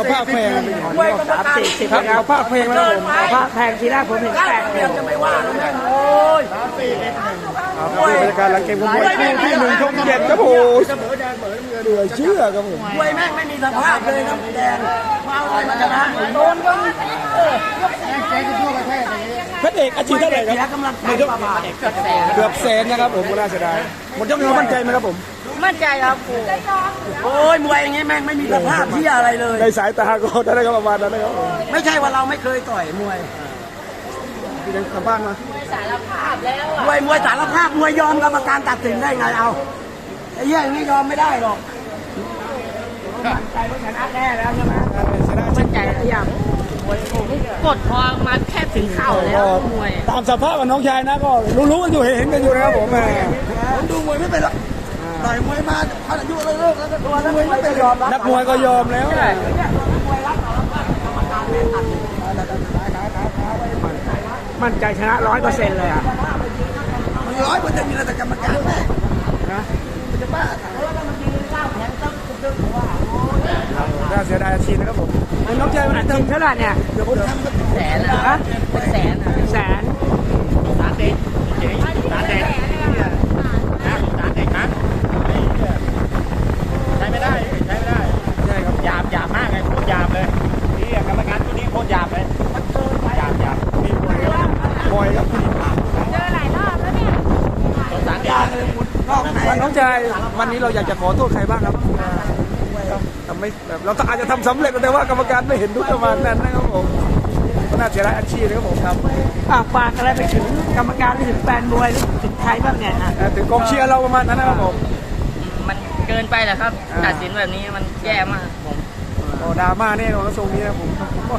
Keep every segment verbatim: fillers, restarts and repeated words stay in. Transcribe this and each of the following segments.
ภาคเพลงมวยกรรมการสี่สิบครับเอาภาคเพลงแล้วผมเอาภาคแพงทีแรกผมเห็นแปดเดียวจะไม่ว่าแล้วนะโอ้ยครับบรรยากาศหลังเกมของมวยคู่ที่หนึ่งช่องเจ็ดครับผมเหลือเชื่อครับผมมวยแม่งไม่มีสภาพเลยนะแดงมาเอาอะไรมาชนะโดนก็เพชรเอกอาชีพเท่าไหร่ครับกำลังใจประมาณเกือบแสนนะครับผมก็น่าเสียดายหมดยกนี้เรามั่นใจไหมครับผมมั่นใจครับโอ้ยมวยอย่างงี้แม่งไม่มีสภาพที่อะไรเลยในสายตาก็ได้ก็ประมาณนั้นนะครับผมไม่ใช่ว่าเราไม่เคยต่อยมวยพี่ยังกลับบ้านมามวยมวยสารภาพมวยยอมกรรมการตัดสินได้ไงเอาไอ้เหี้ยอย่างนี้ยอมไม่ได้หรอกมั่นใจว่าชนะแน่แล้วใช่ไหมชนะมั่นใจทุกอย่างกดพอมาแค่ถึงเข่าแล้วมวยตามสภาพกับน้องชายนะก็รู้ๆกันอยู่เห็นกันอยู่นะครับผมแหมผมดูมวยไม่เป็นหรอกต่อยมวยมาพันอายุแล้วเลิกแล้วก็ตัวแล้วมวยไม่เป็นยอมรับนักมวยก็ยอมแล้วมั่นใจชนะร้อยเปอร์เซ็นต์เลยอ่ะมันร้อยเปอร์เซ็นต์มีแต่กรรมการแม่นะมันจะบ้าแล้วก็มันกินเหล้าแทงตึ๊บตึ๊บว่าน่าเสียดายอาชีพนะครับผมน้องชายมันจริงเท่าไหร่เนี่ยเกือบหมดครับแสนนะเป็นแสนเป็นแสนสารเด็กเจ๋งสารเด็กนะสารเด็กนะใช้ไม่ได้ใช้ไม่ได้ใช่ครับหยาบหยาบมากเลยโคตรหยาบเลยนี่กรรมการตัวนี้โคตรหยาบเลยหยาบหยาบมีมวยเยอะบอยครับเจอหลายรอบแล้วเนี่ยสารเด็กนอกไหนน้องชายวันนี้เราอยากจะขอโทษใครบ้างครับทำไม่แบบเราอาจจะทำสำเร็จแต่ว่ากรรมการไม่เห็นด้วยประมาณนั้นนะครับผมก็น่าเสียดายอาชีพนะครับผมครับอ่ะฝากอะไรไปถึงกรรมการไปถึงแฟนมวยหรือถึงใครบ้างเนี่ยฮะถึงกองเชียร์เราประมาณนั้นนะครับผมมันเกินไปแหละครับตัดสินแบบนี้มันแย่มากผมโอ้ดราม่าแน่นอนนะทรงนี้นะผมก็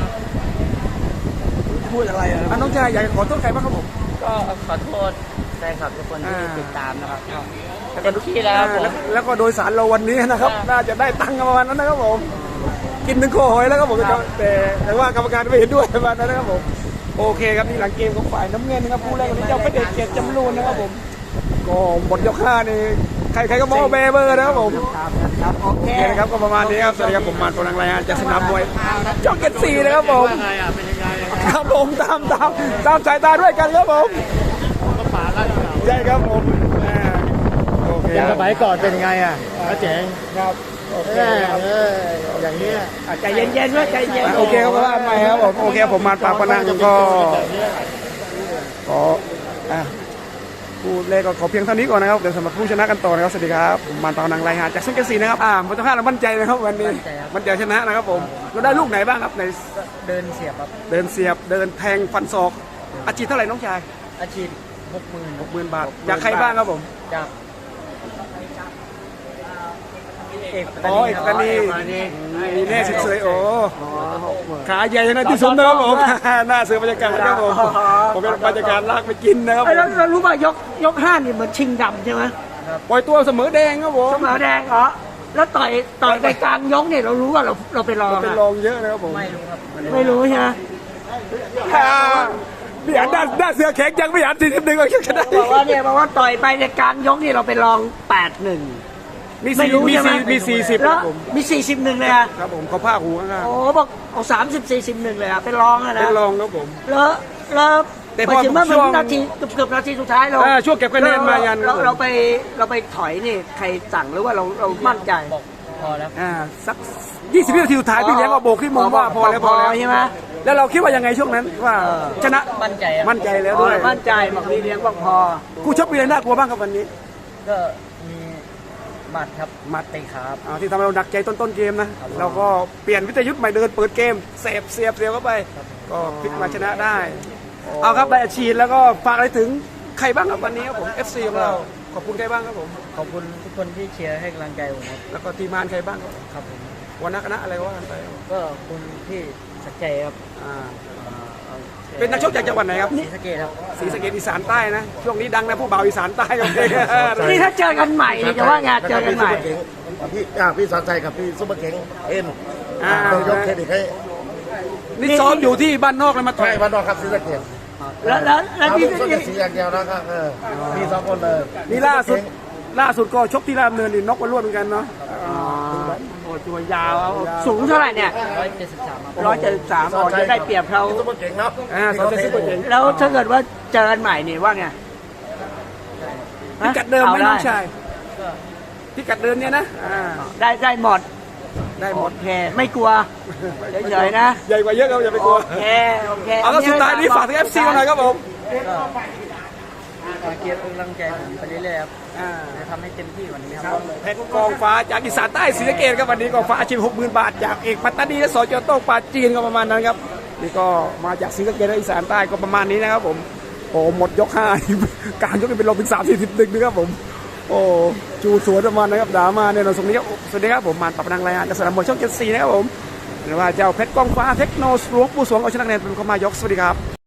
พูดอะไรอ่ะน้องชายอยากจะขอโทษใครบ้างครับผมก็ขอโทษแฟนคลับทุกคนที่อ่าติดตามนะครับเต็มที่แล้วผมแล้วก็โดยสารเราวันนี้นะครับ น่าจะได้ตังค์ประมาณนั้นนะครับผม กินถึงโคหอยแล้วครับผมแต่แต่ว่ากรรมการไม่เห็นด้วยประมาณนั้นนะครับผม โอเคครับนี่หลังเกมของฝ่ายน้ำเงินนะครับผู้แรกวันนี้เจ้าพระเดชเกียรติจำรูนนะครับผม ก็หมดยกห้านี่ใครๆก็มองเบเบอร์นะครับผมครับโอโอเคเคนะครับก็ประมาณนี้ครับสวัสดีครับผมมานปนังรายงานจากสนามมวยช่องเจ็ดสี่นะครับผมไงอ่ะเป็นยังไงครับผมตามตามตามสายตาด้วยกันครับผมก็ป่าแล้วใช่ครับผมอ่าโอเคอย่างสมัยก่อนเป็นยังไงอ่ะก็เจ๋งครับโอเคเอออย่างนี้ใจเย็นๆด้วยใจเย็นโอเคครับว่าไปครับผมโอเคผมมาปากปนังก็ขออ่ะผู้เล่นก็ขอเพียงเท่านี้ก่อนนะครับเดี๋ยวสำหรับผู้ชนะกันต่อนะครับสวัสดีครับผมมานปากปนังรายงานจากช่องเจ็ดสี่นะครับอ่าผมต้องห้าเรามั่นใจนะครับวันนี้มั่นใจชนะนะครับผมเราได้ลูกไหนบ้างครับในเดินเสียบครับเดินเสียบเดินแทงฟันศอกอาชีพเท่าไหร่น้องชายอาชีพหกหมื่นหกหมื่นบาทจากใครบ้างครับผมจากเอกอ๋อเอกตานีมีแน่สิเสยโอ้ขาใหญ่นะที่สุดนะครับผมหน้าเสือบรรยากาศนะครับผมผมเป็นบรรยากาศลากไปกินนะครับผมแล้วเรารู้ป่ะยกยกห้านี่เหมือนชิงดำใช่ไหมปล่อยตัวเสมอแดงครับผมเสมอแดงเหรอแล้วต่อยต่อยไปกลางยกเนี่ยเรารู้ว่าเราเราไปรองเป็นอะรองเยอะนะครับผมไม่รู้ครับไม่รู้ใช่ไหมอ่าพี่อันด้านด้านเสือแข็งยังพี่อันสี่สิบหนึ่งก็ชนะบอกว่าเนี่ยบอกว่าต่อยไปในกลางยกนี่เราไปรองแปดหนึ่งมีไม่สี่รู้มีใช่ไหมสี่มีสี่สิบคแล้รัวบผมมีสี่สิบหนึ่งเลยอะครับผมเขาผ้าหูข้างโอ้บอกเอาสามสิบสี่สิบหนึ่งเลยอะเป็นรองอะๆเป็นะนรองครับผมแล้วแล้วแต่ไปพอถึงเมื่อช่วงนาทีเกือบเกือบนาทีสุดท้ายเราอ่าช่วงเก็บคะแนนมายันเราเราไปเราไปถอยนี่ใครสั่งหรือว่าเราเรามั่นใจพอแล้วอ่าสักยี่สิบวินาทีสุดท้ายพี่เลี้ยงก็โบกที่มุมว่าพอแล้วพอแล้วใช่ไหมแล้วเราคิดว่ายังไงช่วงนั้นว่าชนะมั่นใจมั่นใจแล้วด้วยมั่นใจบอกพี่เลี้ยงบอกพอคู่ชกมีอะไรน่ากลัวบ้างครับวันนี้ก็มีหมัดครับหมัดตีขาครับอ่าที่ทำให้เราหนักใจต้นต้นเกมนะเราก็เปลี่ยนวิทยุทธ์ใหม่เดินเปิดเกมเสียบเสียบเสียบเข้าไป ก็พลิกมาชนะได้ เอาครับใบอาชีพแล้วก็ฝากอะไรถึงใครบ้างครับวันนี้ครับผม เอฟ ซี ของเราขอบคุณใครบ้างครับผมขอบคุณทุกคนที่เชียร์ให้กำลังใจผมครับแล้วก็ทีมงานใครบ้างครับครับผมวันนักคณะอะไรก็ว่ากันไปก็คุณที่สักใจครับอ่าเป็นนักชกจากจังหวัดไหนครับศรีสะเกษครับศรีสะเกษอีสานใต้นะช่วงนี้ดังนะผู้บ่าวอีสานใต้ครับนี่ถ้าเจอกันใหม่นี่จะว่าไงเจอกันใหม่พี่อ่าพี่สอนใจกับพี่ซุปเปอร์เข็งเอ็นอ่าต้องยกเครดิตให้นี่ซ้อมอยู่ที่บ้านนอกเลยมาต่อใช่ยวันนอกครับศรีสะเกษแล้วแล้วแล้วเรานี่ลูกส้นสีอย่างเดียวนะครับเออมีสองคนเลยนี่ล่าสุดล่าสุดก็ชกที่รามเนินนี่น็อกวันรวดเหมือนกันเนาะอ๋อตัวยาวเอาสูงเท่าไหร่เนี่ยร้อยเจ็ดสิบสามร้อยเจ็ดสิบสามอ๋อจะได้เปรียบเขาพี่ซุปเปอร์เก่งเนาะอ่าสอนเซนซุปเปอร์เก่งแล้วถ้าเกิดว่าเจอกันใหม่นี่ว่าไงพิกัดเดิมไหมอาน้องชายพิกัดเดิมเนี่ยนะอ่าได้ได้หมดได้หมดโอเคไม่กลัวเฉยๆนะใหญ่กว่าเยอะครับอย่าไปกลัวโอเคโอเคเอาก็สุดท้ายนี้ฝากถึง เอฟ ซี มาหน่อยครับผมเกียร์กำลังใจผมไปเรื่อยๆครับอ่าจะทำให้เต็มที่กว่านี้คครัรับ บเพชรกองฟ้าจากอีสานใต้ศรีสะเกษครับวันนี้กองฟ้าอาชีพหกหมื่นบาทจากเอกปัตตานีและสจโต้งปราจีนก็ประมาณนั้นครับนี่ก็มาจากศรีสะเกษและอีสานใต้ก็ประมาณนี้นะครับผมโอ้หมดยกห้า การยกเป็นลมถึงสามสี่สิบหนึ่งนะครับผมโอ้จูสวนประมาณนะครับดราม่าเนี่ยเราส่งนี้ครับสวัสดีครับผมมานปรับนังรายงานจากสนามมวยช่องเจ็ดสี่นะครับผมหรือว่าเจ้าเพชรกองฟ้าเทคโนสลวงปู่สวงเอาชนะแนนเป็นเข้ามายกสวัสดีครับ